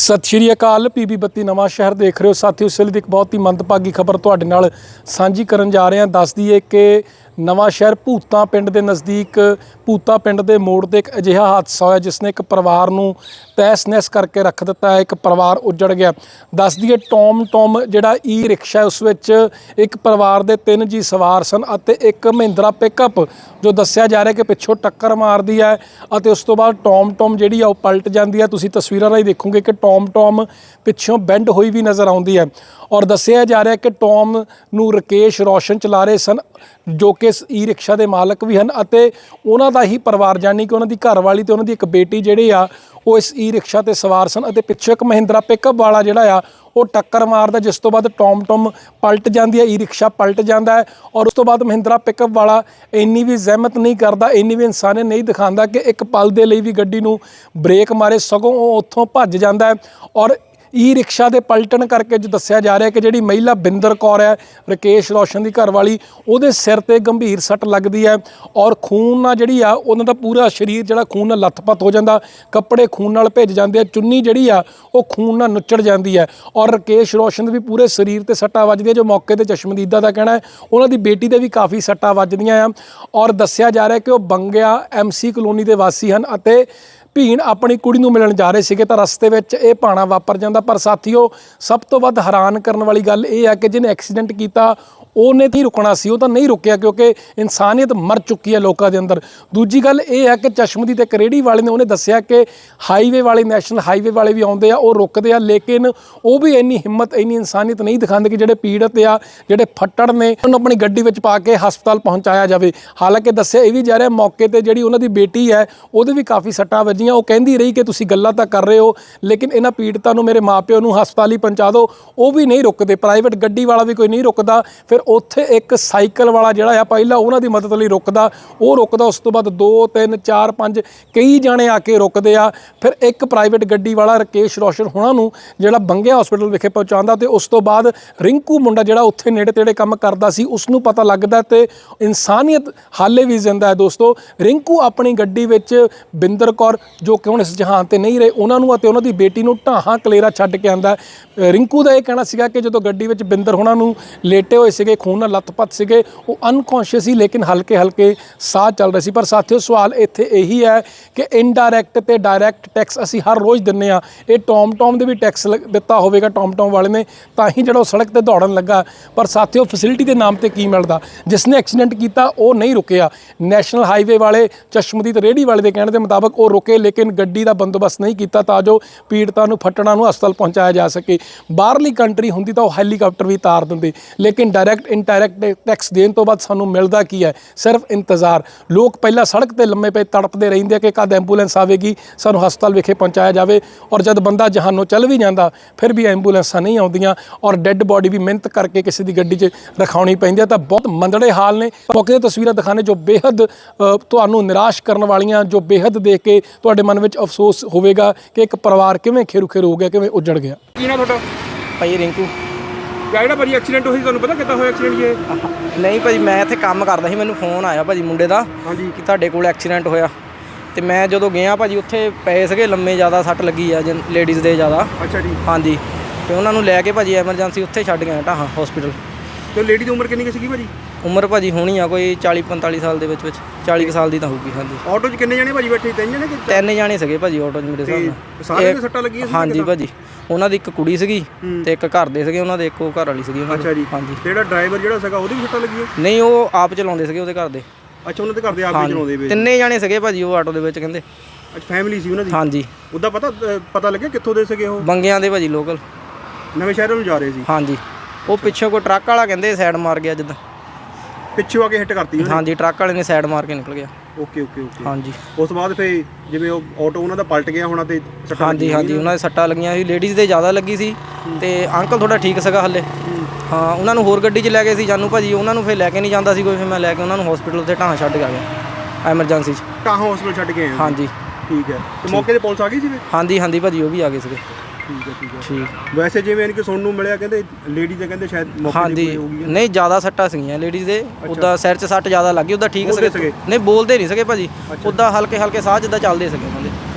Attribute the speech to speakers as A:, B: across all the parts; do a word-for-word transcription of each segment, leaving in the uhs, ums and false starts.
A: ਸਤਿ ਸ਼੍ਰੀ ਅਕਾਲ। ਪੀਬੀ ਬੱਤੀ ਨਵਾਂ ਸ਼ਹਿਰ ਦੇਖ ਰਹੇ ਹੋ ਸਾਥੀਓ। ਇਸ ਵੇਲੇ ਦੀ ਇੱਕ ਬਹੁਤ ਹੀ ਮੰਦਭਾਗੀ ਖਬਰ ਤੁਹਾਡੇ ਨਾਲ ਸਾਂਝੀ ਕਰਨ ਜਾ ਰਹੇ ਹਾਂ। ਦੱਸ ਦਈਏ ਕਿ ਨਵਾਂ ਸ਼ਹਿਰ ਭੂਤਾਂ ਪਿੰਡ ਦੇ ਨਜ਼ਦੀਕ ਭੂਤਾਂ ਪਿੰਡ ਦੇ ਮੋੜ ਤੇ ਇੱਕ ਅਜਿਹਾ ਹਾਦਸਾ ਹੋਇਆ ਜਿਸ ਨੇ ਇੱਕ ਪਰਿਵਾਰ ਨੂੰ ਤਹਿਸ ਨਹਿਸ ਕਰਕੇ ਰੱਖ ਦਿੱਤਾ ਹੈ। ਇੱਕ ਪਰਿਵਾਰ ਉੱਜੜ ਗਿਆ। ਦੱਸ ਦਈਏ ਟੋਮ ਟੋਮ ਜਿਹੜਾ ਈ ਰਿਕਸ਼ਾ ਉਸ ਵਿੱਚ ਇੱਕ ਪਰਿਵਾਰ ਦੇ ਤਿੰਨ ਜੀ ਸਵਾਰ ਸਨ ਅਤੇ ਇੱਕ ਮਹਿੰਦਰਾ ਪਿਕਅਪ ਜੋ ਦੱਸਿਆ ਜਾ ਰਿਹਾ ਕਿ ਪਿੱਛੋਂ ਟੱਕਰ ਮਾਰਦੀ ਹੈ ਅਤੇ ਉਸ ਤੋਂ ਬਾਅਦ ਟੋਮ ਟੋਮ ਜਿਹੜੀ ਆ ਉਹ ਪਲਟ ਜਾਂਦੀ ਹੈ। ਤੁਸੀਂ ਤਸਵੀਰਾਂ ਰਾਹੀਂ ਦੇਖੋਗੇ ਕਿ ਟੋਮ ਟੋਮ ਪਿੱਛੋਂ ਬੈਂਡ ਹੋਈ ਵੀ ਨਜ਼ਰ ਆਉਂਦੀ ਹੈ ਔਰ ਦੱਸਿਆ ਜਾ ਰਿਹਾ ਕਿ ਟੋਮ ਨੂੰ ਰਕੇਸ਼ ਰੋਸ਼ਨ ਚਲਾ ਰਹੇ ਸਨ ਜੋ ਕਿ ਇਸ ਈ ਰਿਕਸ਼ਾ ਦੇ ਮਾਲਕ ਵੀ ਹਨ ਅਤੇ ਉਹਨਾਂ ਦਾ ਹੀ ਪਰਿਵਾਰ ਜਾਨੀ ਕਿ ਉਹਨਾਂ ਦੀ ਘਰਵਾਲੀ ਤੇ ਉਹਨਾਂ ਦੀ ਇੱਕ ਬੇਟੀ ਜਿਹੜੇ ਆ ਉਹ ਇਸ ਈ ਰਿਕਸ਼ਾ ਤੇ ਸਵਾਰ ਸਨ ਅਤੇ ਪਿੱਛੇ ਇੱਕ ਮਹਿੰਦਰਾ ਪਿਕਅਪ ਵਾਲਾ ਜਿਹੜਾ ਆ ਉਹ ਟੱਕਰ ਮਾਰਦਾ ਜਿਸ ਤੋਂ ਬਾਅਦ ਟੋਮ ਟੋਮ ਪਲਟ ਜਾਂਦੀ ਹੈ। ਈ ਰਿਕਸ਼ਾ ਪਲਟ ਜਾਂਦਾ ਹੈ ਔਰ ਉਸ ਤੋਂ ਬਾਅਦ ਮਹਿੰਦਰਾ ਪਿਕਅਪ ਵਾਲਾ ਇੰਨੀ ਵੀ ਜ਼ਹਿਮਤ ਨਹੀਂ ਕਰਦਾ, ਇੰਨੀ ਵੀ ਇਨਸਾਨੀਅਤ ਨਹੀਂ ਦਿਖਾਉਂਦਾ ਕਿ ਇੱਕ ਪਲ ਦੇ ਲਈ ਵੀ ਗੱਡੀ ਨੂੰ ਬ੍ਰੇਕ ਮਾਰੇ, ਸਗੋਂ ਉਹ ਉੱਥੋਂ ਭੱਜ ਜਾਂਦਾ ਹੈ। ਔਰ ਈ ਰਿਕਸ਼ਾ ਦੇ ਪਲਟਣ ਕਰਕੇ ਜੋ ਦੱਸਿਆ ਜਾ ਰਿਹਾ ਕਿ ਜਿਹੜੀ ਮਹਿਲਾ ਬਿੰਦਰ ਕੌਰ ਹੈ ਰਕੇਸ਼ ਰੋਸ਼ਨ ਦੀ ਘਰਵਾਲੀ, ਉਹਦੇ ਸਿਰ ਤੇ ਗੰਭੀਰ ਸੱਟ ਲੱਗਦੀ ਹੈ ਔਰ ਖੂਨ ਨਾਲ ਜਿਹੜੀ ਆ ਉਹਨਾਂ ਦਾ ਪੂਰਾ ਸਰੀਰ ਜਿਹੜਾ ਖੂਨ ਨਾਲ ਲੱਥਪੱਥ ਹੋ ਜਾਂਦਾ, ਕੱਪੜੇ ਖੂਨ ਨਾਲ ਭਿੱਜ ਜਾਂਦੇ ਆ, ਚੁੰਨੀ ਜਿਹੜੀ ਆ ਉਹ ਖੂਨ ਨਾਲ ਨੁੱਚੜ ਜਾਂਦੀ ਹੈ ਔਰ ਰਕੇਸ਼ ਰੋਸ਼ਨ ਦੇ ਵੀ ਪੂਰੇ ਸਰੀਰ ਤੇ ਸੱਟਾਂ ਵੱਜਦੀਆਂ ਜੋ ਮੌਕੇ ਤੇ ਚਸ਼ਮਦੀਦਾ ਦਾ ਕਹਿਣਾ ਹੈ ਉਹਨਾਂ ਦੀ ਬੇਟੀ ਦੇ ਵੀ ਕਾਫੀ ਸੱਟਾਂ ਵੱਜਦੀਆਂ ਆ। ਔਰ ਦੱਸਿਆ ਜਾ ਰਿਹਾ ਕਿ ਉਹ ਬੰਗਿਆ ਐਮ ਸੀ ਕਲੋਨੀ ਦੇ ਵਾਸੀ ਹਨ ਅਤੇ ਭੀਣ ਆਪਣੀ ਕੁੜੀ ਨੂੰ ਮਿਲਣ ਜਾ ਰਹੇ ਸੀਗੇ ਤਾਂ ਰਸਤੇ ਵਿੱਚ ਇਹ ਭਾਣਾ ਵਾਪਰ ਜਾਂਦਾ। ਪਰ ਸਾਥੀਓ ਸਭ ਤੋਂ ਵੱਧ ਹੈਰਾਨ ਕਰਨ ਵਾਲੀ ਗੱਲ ਇਹ ਹੈ ਕਿ ਜਿਹਨੇ ਐਕਸੀਡੈਂਟ ਕੀਤਾ ਉਹਨੇ ਤਾਂ ਹੀ ਰੁਕਣਾ ਸੀ, ਉਹ ਤਾਂ ਨਹੀਂ ਰੁਕਿਆ ਕਿਉਂਕਿ ਇਨਸਾਨੀਅਤ ਮਰ ਚੁੱਕੀ ਹੈ ਲੋਕਾਂ ਦੇ ਅੰਦਰ। ਦੂਜੀ ਗੱਲ ਇਹ ਹੈ ਕਿ ਚਸ਼ਮਦੀਦ ਇੱਕ ਰੇਹੜੀ ਵਾਲੇ ਨੇ ਉਹਨੇ ਦੱਸਿਆ ਕਿ ਹਾਈਵੇ ਵਾਲੇ ਨੈਸ਼ਨਲ ਹਾਈਵੇ ਵਾਲੇ ਵੀ ਆਉਂਦੇ ਆ, ਉਹ ਰੁਕਦੇ ਆ, ਲੇਕਿਨ ਉਹ ਵੀ ਇੰਨੀ ਹਿੰਮਤ ਇੰਨੀ ਇਨਸਾਨੀਅਤ ਨਹੀਂ ਦਿਖਾਉਂਦੇ ਕਿ ਜਿਹੜੇ ਪੀੜਤ ਆ ਜਿਹੜੇ ਫੱਟੜ ਨੇ ਉਹਨੂੰ ਆਪਣੀ ਗੱਡੀ ਵਿੱਚ ਪਾ ਕੇ ਹਸਪਤਾਲ ਪਹੁੰਚਾਇਆ ਜਾਵੇ। ਹਾਲਾਂਕਿ ਦੱਸਿਆ ਇਹ ਵੀ ਜਾ ਰਿਹਾ ਮੌਕੇ ਤੇ ਜਿਹੜੀ ਉਹਨਾਂ ਦੀ ਬੇਟੀ ਹੈ ਉਹਦੇ ਵੀ ਕਾਫੀ ਸੱਟਾਂ ਵੱਜੀਆਂ। ਉਹ ਕਹਿੰਦੀ ਰਹੀ ਕਿ ਤੁਸੀਂ ਗੱਲਾਂ ਤਾਂ ਕਰ ਰਹੇ ਹੋ ਲੇਕਿਨ ਇਹਨਾਂ ਪੀੜਤਾਂ ਨੂੰ ਮੇਰੇ ਮਾਂ ਪਿਓ ਨੂੰ ਹਸਪਤਾਲ ਹੀ ਪਹੁੰਚਾ ਦਿਓ, ਉਹ ਵੀ ਨਹੀਂ ਰੁਕਦੇ। ਪ੍ਰਾਈਵੇਟ ਗੱਡੀ ਵਾਲਾ ਵੀ ਕੋਈ ਨਹੀਂ ਰੁਕਦਾ। ਫਿਰ ਉੱਥੇ ਇੱਕ ਸਾਈਕਲ ਵਾਲਾ ਜਿਹੜਾ ਆ ਪਹਿਲਾਂ ਉਹਨਾਂ ਦੀ ਮਦਦ ਲਈ ਰੁਕਦਾ, ਉਹ ਰੁਕਦਾ, ਉਸ ਤੋਂ ਬਾਅਦ ਦੋ ਤਿੰਨ ਚਾਰ ਪੰਜ ਕਈ ਜਾਣੇ ਆ ਕੇ ਰੁਕਦੇ ਆ। ਫਿਰ ਇੱਕ ਪ੍ਰਾਈਵੇਟ ਗੱਡੀ ਵਾਲਾ ਰਕੇਸ਼ ਰੋਸ਼ਨ ਹੋਣਾ ਨੂੰ ਜਿਹੜਾ ਬੰਗਿਆ ਹਸਪੀਟਲ ਵਿਖੇ ਪਹੁੰਚਾਉਂਦਾ ਤੇ ਉਸ ਤੋਂ ਬਾਅਦ ਰਿੰਕੂ ਮੁੰਡਾ ਜਿਹੜਾ ਉੱਥੇ ਨੇੜੇ ਤੇੜੇ ਕੰਮ ਕਰਦਾ ਸੀ ਉਸ ਨੂੰ ਪਤਾ ਲੱਗਦਾ ਤੇ ਇਨਸਾਨੀਅਤ ਹਾਲੇ ਵੀ ਜ਼ਿੰਦਾ ਹੈ। ਦੋਸਤੋ ਰਿੰਕੂ ਆਪਣੀ ਗੱਡੀ ਵਿੱਚ ਬਿੰਦਰ ਕੌਰ ਜੋ ਕਿ ਹੁਣ ਇਸ ਜਹਾਨ ਤੇ ਨਹੀਂ ਰਹੇ ਉਹਨਾਂ ਨੂੰ ਅਤੇ ਉਹਨਾਂ ਦੀ ਬੇਟੀ ਨੂੰ ਢਾਹਾਂ ਕਲੇਰਾ ਛੱਡ ਕੇ ਆਉਂਦਾ। ਰਿੰਕੂ ਦਾ ਇਹ ਕਹਿਣਾ ਸੀਗਾ ਕਿ ਜਦੋਂ ਗੱਡੀ ਵਿੱਚ ਬਿੰਦਰ ਹੋਣਾ ਨੂੰ ਲੇਟੇ ਹੋਏ ਸੀਗੇ, ਖੂਨ ਨਾਲ ਲੱਥਪੱਥ ਸੀਗੇ, ਉਹ ਅਨਕੌਂਸ਼ੀਅਸ ਸੀ ਲੇਕਿਨ ਹਲਕੇ ਹਲਕੇ ਸਾਹ ਚੱਲ ਰਹੇ ਸੀ। ਪਰ ਸਾਥੀਓ ਸਵਾਲ ਇੱਥੇ ਇਹੀ ਹੈ ਕਿ ਇਨਡਾਇਰੈਕਟ ਤੇ ਡਾਇਰੈਕਟ ਟੈਕਸ ਅਸੀਂ ਹਰ ਰੋਜ਼ ਦਿੰਦੇ ਹਾਂ। ਇਹ ਟੋਮ ਟੋਮ ਦੇ ਵੀ ਟੈਕਸ ਦਿੱਤਾ ਹੋਵੇਗਾ ਟੋਮ ਟੋਮ ਵਾਲੇ ਨੇ ਤਾਂ ਹੀ ਜਿਹੜਾ ਉਹ ਸੜਕ ਤੇ ਦੌੜਨ ਲੱਗਾ। ਪਰ ਸਾਥੀਓ ਫੈਸਿਲਿਟੀ ਦੇ ਨਾਮ ਤੇ ਕੀ ਮਿਲਦਾ? ਜਿਸ ਨੇ ਐਕਸੀਡੈਂਟ ਕੀਤਾ ਉਹ ਨਹੀਂ ਰੁਕਿਆ। ਨੈਸ਼ਨਲ ਹਾਈਵੇ ਵਾਲੇ ਚਸ਼ਮਦੀਦ ਰੇਹੜੀ ਵਾਲੇ ਦੇ ਕਹਿਣ ਦੇ ਮੁਤਾਬਕ ਉਹ ਰੁਕੇ ਲੇਕਿਨ ਗੱਡੀ ਦਾ ਬੰਦੋਬਸਤ ਨਹੀਂ ਕੀਤਾ ਤਾਂ ਜੋ ਪੀੜਤਾਂ ਨੂੰ ਫੱਟੜਾਂ ਨੂੰ ਹਸਪਤਾਲ ਪਹੁੰਚਾਇਆ ਜਾ ਸਕੇ। ਬਾਹਰਲੀ ਕੰਟਰੀ ਹੁੰਦੀ ਤਾਂ ਉਹ ਹੈਲੀਕਾਪਟਰ ਵੀ ਤਾਰ ਦਿੰਦੇ ਲੇਕਿਨ ਡਾਇਰੈਕਟ ਇਨਡਾਇਰੈਕਟ ਟੈਕਸ ਦੇਣ ਤੋਂ ਬਾਅਦ ਸਾਨੂੰ ਮਿਲਦਾ ਕੀ ਹੈ? ਸਿਰਫ ਇੰਤਜ਼ਾਰ। ਲੋਕ ਪਹਿਲਾਂ ਸੜਕ ਤੇ ਲੰਮੇ ਪਏ ਤੜਪਦੇ ਰਹਿੰਦੇ ਕਿ ਕਦ ਐਂਬੂਲੈਂਸ ਆਵੇਗੀ ਸਾਨੂੰ ਹਸਪਤਾਲ ਵਿਖੇ ਪਹੁੰਚਾਇਆ ਜਾਵੇ ਔਰ ਜਦ ਬੰਦਾ ਜਹਾਨੋਂ ਚੱਲ ਵੀ ਜਾਂਦਾ ਫਿਰ ਵੀ ਐਂਬੂਲੈਂਸਾਂ ਨਹੀਂ ਆਉਂਦੀਆਂ ਔਰ ਡੈੱਡ ਬੋਡੀ ਵੀ ਮਿਹਨਤ ਕਰਕੇ ਕਿਸੇ ਦੀ ਗੱਡੀ 'ਚ ਰਖਾਉਣੀ ਪੈਂਦੀ ਹੈ। ਤਾਂ ਬਹੁਤ ਮੰਦੜੇ ਹਾਲ ਨੇ। ਮੌਕੇ ਦੀਆਂ ਤਸਵੀਰਾਂ ਦਿਖਾਣੇ ਜੋ ਬੇਹੱਦ ਤੁਹਾਨੂੰ ਨਿਰਾਸ਼ ਕਰਨ ਵਾਲੀਆਂ, ਜੋ ਬੇਹੱਦ ਦੇਖ ਕੇ ਤੁਹਾਡੇ ਮਨ ਵਿੱਚ ਅਫਸੋਸ ਹੋਵੇਗਾ ਕਿ ਇੱਕ ਪਰਿਵਾਰ ਕਿਵੇਂ ਖੇਰੂ ਖੇਰੂ ਹੋ ਗਿਆ, ਕਿਵੇਂ ਉੱਜੜ ਗਿਆ।
B: ਕੀ ਨਾ ਤੁਹਾਡਾ?
C: ਭਾਈ ਰਿੰਕੂ।
B: ਜਿਹੜਾ ਭਾਜੀ ਐਕਸੀਡੈਂਟ ਹੋਈ ਤੁਹਾਨੂੰ ਪਤਾ ਕਿੱਦਾਂ ਹੋਇਆ ਐਕਸੀਡੈਂਟ ਇਹ?
C: ਨਹੀਂ ਭਾਜੀ ਮੈਂ ਇੱਥੇ ਕੰਮ ਕਰਦਾ ਸੀ, ਮੈਨੂੰ ਫੋਨ ਆਇਆ ਭਾਜੀ ਮੁੰਡੇ ਦਾ
B: ਹਾਂਜੀ
C: ਕਿ ਤੁਹਾਡੇ ਕੋਲ ਐਕਸੀਡੈਂਟ ਹੋਇਆ ਤੇ ਮੈਂ ਜਦੋਂ ਗਿਆ ਭਾਜੀ ਉੱਥੇ ਪਏ ਸੀਗੇ ਲੰਮੇ, ਜ਼ਿਆਦਾ ਸੱਟ ਲੱਗੀ ਆ ਲੇਡੀਜ਼ ਦੇ ਜ਼ਿਆਦਾ।
B: ਅੱਛਾ ਜੀ।
C: ਹਾਂਜੀ ਤੇ ਉਹਨਾਂ ਨੂੰ ਲੈ ਕੇ ਭਾਜੀ ਐਮਰਜੈਂਸੀ ਉੱਥੇ ਛੱਡ ਗਿਆ ਢਾਹਾਂ ਹਸਪੀਟਲ।
B: ਤੇ ਲੇਡੀ ਦੀ ਉਮਰ ਕਿੰਨੀ ਕੁ ਸੀਗੀ ਭਾਜੀ?
C: ਉਮਰ ਭਾਜੀ ਹੋਣੀ ਆ ਕੋਈ ਚਾਲੀ ਪੰਤਾਲੀ ਸਾਲ ਦੇ ਵਿੱਚ ਵਿੱਚ ਚਾਲੀ ਕੁ ਸਾਲ ਦੀ ਤਾਂ ਹੋਊਗੀ। ਹਾਂਜੀ।
B: ਆਟੋ 'ਚ ਕਿੰਨੇ ਜਣੇ ਭਾਜੀ ਬੈਠੇ? ਤਿੰਨ ਜਣੇ ਕਿ
C: ਤਿੰਨ ਜਾਣੇ ਸੀਗੇ ਭਾਜੀ ਆਟੋ 'ਚ ਮੇਰੇ ਹਿਸਾਬ ਨਾਲ।
B: ਸਾਰਿਆਂ ਦੇ ਸੱਟਾਂ ਲੱਗੀਆਂ ਸੀ?
C: ਹਾਂਜੀ ਭਾਜੀ ਉਹਨਾਂ ਦੀ ਇੱਕ ਕੁੜੀ ਸੀਗੀ ਤੇ ਇੱਕ ਘਰ ਦੇ ਸੀਗੇ ਉਹਨਾਂ ਦੇ, ਇੱਕੋ ਘਰ ਵਾਲੀ ਸੀਗੀ ਉਹਨਾਂ ਦੀ।
B: ਅੱਛਾ ਜੀ।
C: ਹਾਂਜੀ।
B: ਜਿਹੜਾ ਡਰਾਈਵਰ ਜਿਹੜਾ ਸੀਗਾ ਉਹਦੀ ਵੀ ਸੱਟਾਂ ਲੱਗੀਆਂ?
C: ਨਹੀਂ ਉਹ ਆਪ ਚਲਾਉਂਦੇ ਸੀਗੇ ਉਹਦੇ ਘਰ ਦੇ।
B: ਅੱਛਾ ਉਹਨਾਂ ਦੇ ਘਰ ਦੇ ਆਪ ਹੀ ਚਲਾਉਂਦੇ ਵੇ?
C: ਤਿੰਨੇ ਜਾਣੇ ਸੀਗੇ ਭਾਜੀ ਉਹ ਆਟੋ ਦੇ ਵਿੱਚ ਕਹਿੰਦੇ।
B: ਅੱਛਾ ਫੈਮਿਲੀ ਸੀ ਉਹਨਾਂ ਦੀ?
C: ਹਾਂਜੀ।
B: ਉਹਦਾ ਪਤਾ ਪਤਾ ਲੱਗਿਆ ਕਿੱਥੋਂ ਦੇ ਸੀਗੇ ਉਹ?
C: ਬੰਗਿਆਂ ਦੇ ਭਾਜੀ ਲੋਕਲ,
B: ਨਵੇਂ ਸ਼ਹਿਰ ਨੂੰ ਜਾ ਰਹੇ ਸੀ?
C: ਹਾਂਜੀ। ਉਹ ਪਿੱਛੋਂ ਕੋਈ ਟਰੱਕ ਵਾਲਾ ਕਹਿੰਦੇ ਸਾਈਡ ਮਾਰ ਗਿਆ ਜਿੱਦਾਂ,
B: ਪਿੱਛੋਂ ਆ ਕੇ ਹਿੱਟ ਕਰਤੀ ਉਹਨੇ?
C: ਹਾਂਜੀ ਟਰੱਕ ਵਾਲੇ ਨੇ ਸਾਈਡ ਮਾਰ ਕੇ ਨਿਕਲ ਗਿਆ।
B: Okay okay okay.
C: ਹਾਂਜੀ।
B: ਉਸ ਤੋਂ ਬਾਅਦ ਫਿਰ ਜਿਵੇਂ ਉਹ ਆਟੋ ਉਹਨਾਂ ਦਾ ਪਲਟ ਗਿਆ ਹੋਣਾ ਤੇ ਸੱਟਾਂ?
C: ਹਾਂਜੀ ਹਾਂਜੀ ਉਹਨਾਂ ਦੇ ਸੱਟਾਂ ਲੱਗੀਆਂ ਸੀ, ਲੇਡੀਜ਼ ਦੇ ਜ਼ਿਆਦਾ ਲੱਗੀ ਸੀ ਤੇ ਅੰਕਲ ਥੋੜਾ ਠੀਕ ਸੀਗਾ ਹੱਲੇ। ਹਾਂ ਉਹਨਾਂ ਨੂੰ ਹੋਰ ਗੱਡੀ 'ਚ ਲੈ ਗਏ ਸੀ ਜਾਨੂ ਭਾਜੀ, ਉਹਨਾਂ ਨੂੰ ਫਿਰ ਲੈ ਕੇ ਨਹੀਂ ਜਾਂਦਾ ਸੀ ਕੋਈ, ਫਿਰ ਮੈਂ ਲੈ ਕੇ ਉਹਨਾਂ ਨੂੰ ਹਸਪੀਟਲ ਉੱਤੇ ਢਾਹਾਂ ਛੱਡ ਕੇ ਆ ਗਿਆ ਐਮਰਜੈਂਸੀ 'ਚ।
B: ਢਾਹਾਂ ਹਸਪੀਟਲ ਛੱਡ ਕੇ ਆਏ?
C: ਹਾਂਜੀ
B: ਠੀਕ ਹੈ। ਤੇ ਮੌਕੇ ਤੇ ਪੁਲਿਸ ਆ ਗਈ ਸੀ ਫਿਰ?
C: ਹਾਂਜੀ ਹਾਂਜੀ ਭਾਜੀ ਉਹ ਵੀ ਆ ਗਏ ਸੀਗੇ।
B: ਠੀਕ ਹੈ ਠੀਕ ਹੈ
C: ਠੀਕ।
B: ਵੈਸੇ ਜਿਵੇਂ ਕਿ ਸੁਣਨ ਨੂੰ ਮਿਲਿਆ ਕਹਿੰਦੇ ਲੇਡੀ ਦੇ ਕਹਿੰਦੇ ਸ਼ਾਇਦ ਮੌਕੇ
C: ਹਾਂਜੀ
B: ਤੇ ਹੋ ਗਈ?
C: ਨਹੀਂ ਜ਼ਿਆਦਾ ਸੱਟਾਂ ਸੀਗੀਆਂ ਲੇਡੀਜ਼ ਦੇ, ਉੱਦਾਂ ਸਿਰ 'ਚ ਸੱਟ ਜ਼ਿਆਦਾ ਲੱਗੀ, ਉੱਦਾਂ ਠੀਕ
B: ਬੋਲਦੇ
C: ਸੀਗੇ।
B: ਸੀਗੇ?
C: ਨਹੀਂ ਬੋਲਦੇ ਨਹੀਂ ਸੀਗੇ ਭਾਜੀ, ਉੱਦਾਂ ਹਲਕੇ ਹਲਕੇ ਸਾਹ ਜਿੱਦਾਂ ਚੱਲਦੇ ਸੀਗੇ ਉਹਨਾਂ ਦੇ।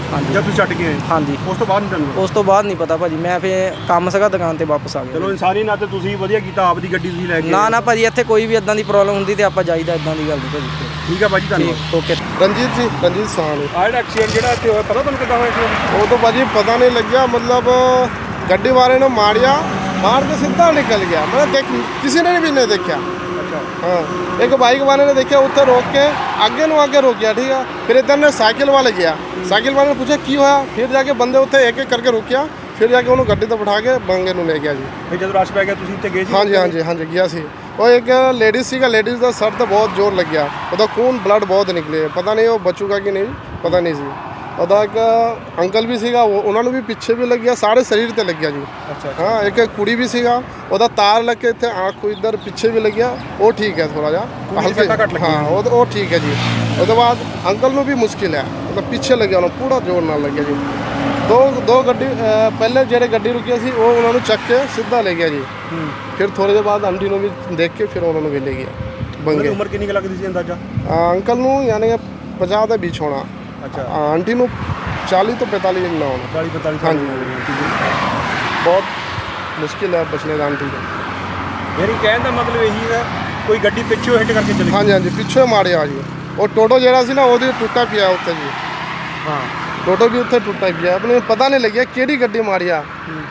C: ਹਾਂਜੀ
B: ਜਦ ਤੁਸੀਂ ਛੱਡ ਕੇ ਆਏ
C: ਹਾਂਜੀ
B: ਉਸ ਤੋਂ ਬਾਅਦ ਨਹੀਂ ਤੁਹਾਨੂੰ
C: ਉਸ ਤੋਂ ਬਾਅਦ ਨਹੀਂ ਪਤਾ ਭਾਜੀ ਮੈਂ ਫਿਰ ਕੰਮ ਸੀਗਾ ਦੁਕਾਨ ਤੇ ਵਾਪਸ ਆ ਗਿਆ
B: ਚਲੋ ਇਨਸਾਨੀ ਨਾਤੇ ਤੁਸੀਂ ਵਧੀਆ ਕੀਤਾ ਆਪਦੀ ਗੱਡੀ ਤੁਸੀਂ ਲੈ ਕੇ
C: ਨਾ ਨਾ ਭਾਜੀ ਇੱਥੇ ਕੋਈ ਵੀ ਇਦਾਂ ਦੀ ਪ੍ਰੋਬਲਮ ਹੁੰਦੀ ਤੇ ਆਪਾਂ ਜਾਈਦਾ ਇਦਾਂ ਦੀ ਗੱਲ ਨਹੀਂ ਭਾਜੀ
B: ਠੀਕ ਆ ਭਾਜੀ ਧੰਨਵਾਦ
C: ਠੀਕ ਓਕੇ
D: ਰਣਜੀਤ ਜੀ ਰਣਜੀਤ ਸਾਹਨੀ
B: ਆਹ ਜਿਹੜਾ ਐਕਸੀਡੈਂਟ ਜਿਹੜਾ ਇੱਥੇ ਹੋਇਆ ਪਤਾ ਤੁਹਾਨੂੰ ਕਿੱਦਾਂ ਹੋਇਆ ਐਕਸੀਡੈਂਟ
D: ਉਹ ਤਾਂ ਭਾਜੀ ਪਤਾ ਨਹੀਂ ਲੱਗਿਆ मतलब ਗੱਡੀ ਵਾਲੇ ਨੇ ਮਾਰਿਆ मार के सीधा निकल गया मतलब देख किसी ने भी नहीं देखा
B: ਅੱਛਾ
D: हाँ एक बाइक वाले ने देखा उत्थे रोक के आगे नु आगे रोक गया ठीक है फिर इधर ने साइकिल वाले गया साइकिल वाले ने पूछा की होया फिर जाके बंदे उत्थे एक एक करके रोकिया फिर जाके उन्होंने गड्डी तो बिठा के बंगे नु ले गया जी
B: ਫਿਰ ਜਦੋਂ ਰਸ਼ ਪੈ ਗਿਆ ਤੁਸੀਂ ਉੱਥੇ ਗਏ ਸੀ
D: हाँ जी हाँ जी हाँ जी गया सी वो एक लेडीज सी का लेडीज का सर तो बहुत जोर लग गया ਉਹਦਾ खून ब्लड बहुत निकले पता नहीं वो बचूगा कि नहीं पता नहीं सी ਉਹਦਾ ਇੱਕ ਅੰਕਲ ਵੀ ਸੀਗਾ ਉਹ ਉਹਨਾਂ ਨੂੰ ਵੀ ਪਿੱਛੇ ਵੀ ਲੱਗਿਆ ਸਾਰੇ ਸਰੀਰ ਤੇ ਲੱਗਿਆ ਜੀ
B: ਅੱਛਾ
D: ਹਾਂ ਇੱਕ ਕੁੜੀ ਵੀ ਸੀਗਾ ਉਹਦਾ ਤਾਰ ਲੱਗ ਕੇ ਇੱਥੇ ਆँख ਕੋ ਇਧਰ ਪਿੱਛੇ ਵੀ ਲੱਗਿਆ ਉਹ ਠੀਕ ਹੈ ਥੋੜਾ ਜਿਹਾ
B: ਹਲਕੇ ਘੱਟ ਲੱਗੀ
D: ਹਾਂ ਉਹ ਉਹ ਠੀਕ ਹੈ ਜੀ ਉਹਦੇ ਬਾਅਦ ਅੰਕਲ ਨੂੰ ਵੀ ਮੁਸ਼ਕਿਲ ਹੈ ਮਤਲਬ ਪਿੱਛੇ ਲੱਗਿਆ ਉਹਨੂੰ ਪੂਰਾ ਜ਼ੋਰ ਨਾਲ ਲੱਗਿਆ ਜੀ ਦੋ ਦੋ ਗੱਡੀ ਅਹ ਪਹਿਲੇ ਜਿਹੜੇ ਗੱਡੀ ਰੁਕੀ ਸੀ ਉਹ ਉਹਨਾਂ ਨੂੰ ਚੱਕ ਕੇ ਸਿੱਧਾ ਲੈ ਗਿਆ ਜੀ ਫਿਰ ਥੋੜੇ ਦੇ ਬਾਅਦ ਆਂਟੀ ਨੂੰ ਵੀ ਦੇਖ ਕੇ ਫਿਰ ਉਹਨਾਂ ਨੂੰ ਵੀ ਲੈ ਗਿਆ
B: ਉਹਦੀ
D: ਬੰਗੇ
B: ਉਮਰ ਕਿੰਨੀ ਕੁ ਲੱਗਦੀ ਸੀ ਅੰਦਾਜ਼ਾ
D: ਅੰਕਲ ਨੂੰ ਯਾਨੀ ਕਿ ਪੰਜਾਹ ਦੇ ਵਿੱਚ ਹੋਣਾ
B: ਅੱਛਾ
D: ਆਂਟੀ ਨੂੰ चालीस तो पैंतालीस ना होना
B: ਚਾਲੀ ਪੈਂਤਾਲੀ
D: हाँ
B: ਸਾਲ
D: जी बहुत मुश्किल है बचने का आंटी को
B: ਮੇਰੀ ਕਹਿਣ ਦਾ ਮਤਲਬ ਇਹੀ ਹੈ ਕੋਈ ਗੱਡੀ ਪਿੱਛੋਂ ਹਿੱਟ ਕਰਕੇ ਚਲੀ
D: हाँ जी हाँ जी पिछे मारे आ जी और टोटो जरा सी ना वो टुटा पिया उत्ते जी
B: ਹਾਂ
D: टोटो भी उत्ते टुटा पिया अपने पता नहीं लगे केड़ी गड्डी मारी आ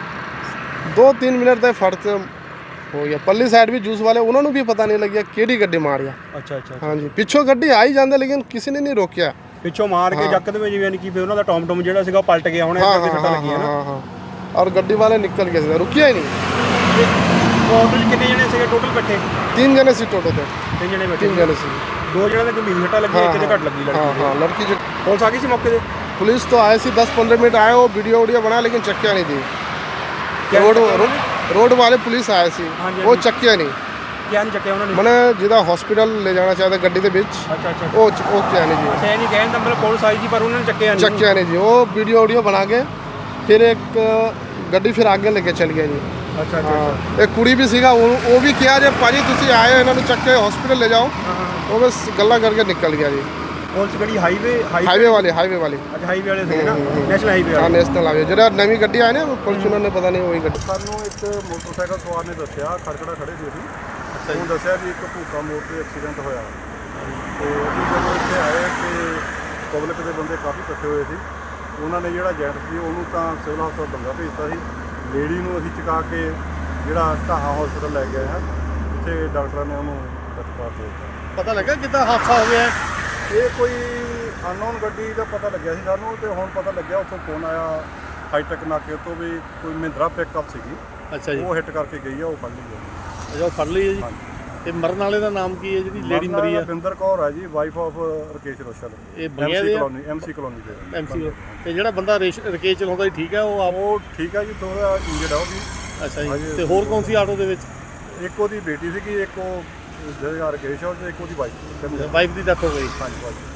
D: दो तीन मिनट तक फट हो गया पल्ली साइड भी जूस वाले उन्होंने भी पता नहीं लगे केड़ी गड्डी मारी आ
B: ਅੱਛਾ ਅੱਛਾ
D: हाँ जी पिछों गड्डी आ ही जाते लेकिन किसी ने नहीं रोकिया
B: ਪਿੱਛੋਂ ਮਾਰ ਕੇ ਜੱਕਦੇ ਵਿੱਚ ਯਾਨੀ ਕਿ ਫਿਰ ਉਹਨਾਂ ਦਾ ਟੌਮ ਟੌਮ ਜਿਹੜਾ ਸੀਗਾ ਉਹ ਪਲਟ ਗਿਆ ਹੁਣ
D: हाँ
B: ਇੱਥੇ
D: हाँ
B: ਸੱਟਾਂ
D: हाँ
B: ਲੱਗੀਆਂ ਨਾ
D: हाँ हाँ और गड्डी वाले निकल गए थे रुकिया ही नहीं
B: ਟੋਟਲ ਕਿੰਨੇ ਜਣੇ ਸੀਗੇ ਟੋਟਲ ਇਕੱਠੇ
D: तीन जने सी टोटो थे
B: ਤਿੰਨ ਜਣੇ ਬੈਠੇ
D: तीन जने सी
B: ਦੋ ਜਣਿਆਂ ਦੇ ਗੰਭੀਰ ਸੱਟਾਂ ਲੱਗੀਆਂ ਇੱਕ ਦੇ ਘੱਟ ਲੱਗੀ
D: हाँ
B: ਲੜਕੀ
D: हाँ लड़की जो
B: ਪੁਲਿਸ ਆ ਗਈ ਸੀ ਮੌਕੇ ਤੇ
D: पुलिस तो आए सी दस पंद्रह मिनट आए वो वीडियो वीडियो बना लेकिन चक्किया नहीं थी
B: क्या
D: रोड
B: चक्किया
D: रोड रोड वाले पुलिस आए सी
B: हाँ जी,
D: वो
B: हाँ जी।
D: चक्किया नहीं
B: ਕਿਆ ਨਹੀਂ ਚੱਕਿਆ ਉਹਨਾਂ ਨੇ
D: मैंने जिदा हॉस्पिटल ले जाना चाहता गड्डी के बीच
B: ਅੱਛਾ ਅੱਛਾ
D: वो वो क्या नहीं जी
B: ਅੱਛਾ ਇਹ ਨਹੀਂ ਕਹਿਣ ਦਾ ਮਤਲਬ ਪੁਲਿਸ ਆਈ ਸੀ ਪਰ ਉਹਨਾਂ ਨੇ ਚੱਕਿਆ ਨਹੀਂ
D: चक्किया नहीं जी वो वीडियो वीडियो बना के फिर एक गड्डी फिर आगे लेके चल गया जी
B: ਅੱਛਾ ਅੱਛਾ
D: हाँ एक कुड़ी भी सीगा वो वो भी किया जब पाजी तुसी आए हो इन्होंने चक के हॉस्पिटल ले जाओ वो बस गला करके निकल गया जी
B: ਪੁਲਿਸ ਗੱਡੀ ਹਾਈਵੇ
D: हाईवे वाली हाईवे वाली
B: ਅੱਛਾ ਹਾਈਵੇ ਵਾਲੇ ਸੀਗੇ ਨਾ ਨੈਸ਼ਨਲ ਹਾਈਵੇ
D: हाँ
B: ਵਾਲੇ
D: नेशनल हाईवे जरा नवी गड्डी आए ना फॉर्च्यूनर ने पता नहीं वही गड्डी
E: ਸਾਨੂੰ ਇੱਕ ਮੋਟਰਸਾਈਕਲ ਸਵਾਰ ਨੇ ਦੱਸਿਆ ਖੜਕੜਾ ਖੜੇ ਸੀ ਅਸੀਂ ਉਹਨੂੰ ਦੱਸਿਆ ਵੀ ਇੱਕ ਭੂਕਾ ਮੋੜ ਤੇ ਐਕਸੀਡੈਂਟ ਹੋਇਆ ਤੇ ਅਸੀਂ ਜਦੋਂ ਇੱਥੇ ਆਏ ਤੇ ਪਬਲਿਕ ਦੇ ਬੰਦੇ ਕਾਫੀ ਇਕੱਠੇ ਹੋਏ ਸੀ ਉਹਨਾਂ ਨੇ ਜਿਹੜਾ ਜੈਂਟ ਸੀ ਉਹਨੂੰ ਤਾਂ ਸਿਵਲ ਹਸਪਤਾਲ ਬੰਗਾ ਭੇਜਤਾ ਸੀ ਲੇਡੀ ਨੂੰ ਅਸੀਂ ਚੁਕਾ ਕੇ ਜਿਹੜਾ ਢਾਹਾਂ ਹਸਪਤਾਲ ਲੈ ਗਏ ਹਾਂ ਜਿੱਥੇ ਡਾਕਟਰਾਂ ਨੇ ਉਹਨੂੰ ਦਸਤਾਰ ਦੇ ਦਿੱਤਾ
D: पता लगा कितना हादसा हो गया
E: ਇਹ ਕੋਈ ਅਨਨੋਨ ਗੱਡੀ ਦਾ ਪਤਾ ਲੱਗਿਆ ਸੀ ਸਾਨੂੰ ਤੇ ਹੁਣ ਪਤਾ ਲੱਗਿਆ ਉੱਥੋਂ ਫੋਨ ਆਇਆ ਹਾਈਟੈਕ ਨਾਕੇ ਤੋਂ ਵੀ ਕੋਈ ਮਹਿੰਦਰਾ ਪਿਕਅਪ ਸੀਗੀ
D: अच्छा जी
E: ਉਹ ਹਿੱਟ ਕਰਕੇ ਗਈ ਆ ਉਹ ਫੜ ਲਈ ਗਈ
D: अच्छा फड़ ली है जी
E: ਹਾਂਜੀ
D: ਤੇ ਮਰਨ ਵਾਲੇ ਦਾ ਨਾਮ ਕੀ ਹੈ ਜਿਹੜੀ ਲੇਡੀ ਮਰੀ ਆ
E: ਰਵਿੰਦਰ ਕੌਰ ਹੈ ਜੀ ਵਾਈਫ ਆਫ ਰਕੇਸ਼ ਰੋਸ਼ਲ
D: ਇਹ ਬੰਗਿਆ
E: ਐਮਸੀ
D: ਦੇ ਆ?
E: ਕਲੋਨੀ ਐਮਸੀ ਕਲੋਨੀ ਦੇ
D: ਐਮਸੀ ਤੇ ਜਿਹੜਾ ਬੰਦਾ ਰੇਸ਼- ਰਕੇਸ਼ ਚਲਾਉਂਦਾ ਸੀ ਠੀਕ ਹੈ ਉਹ ਆਪ
E: ਉਹ ਠੀਕ ਹੈ ਜੀ ਥੋੜਾ ਇੰਜਰਡ ਆ ਉਹ ਵੀ
D: ਅੱਛਾ ਜੀ
E: ਹਾਂਜੀ।
D: ਤੇ ਹੋਰ ਕੌਣ ਸੀ ਆਟੋ ਦੇ ਵਿੱਚ
E: ਇੱਕ ਉਹਦੀ ਬੇਟੀ ਸੀਗੀ ਇੱਕ ਉਹ ਜਿਹੜਾ ਰਕੇਸ਼ ਆ ਤੇ ਇੱਕ ਉਹਦੀ ਵਾਈਫ
D: ਵਾਈਫ ਦੀ ਡੈਥ ਹੋ ਗਈ
E: ਹਾਂਜੀ ਵਾਈਫ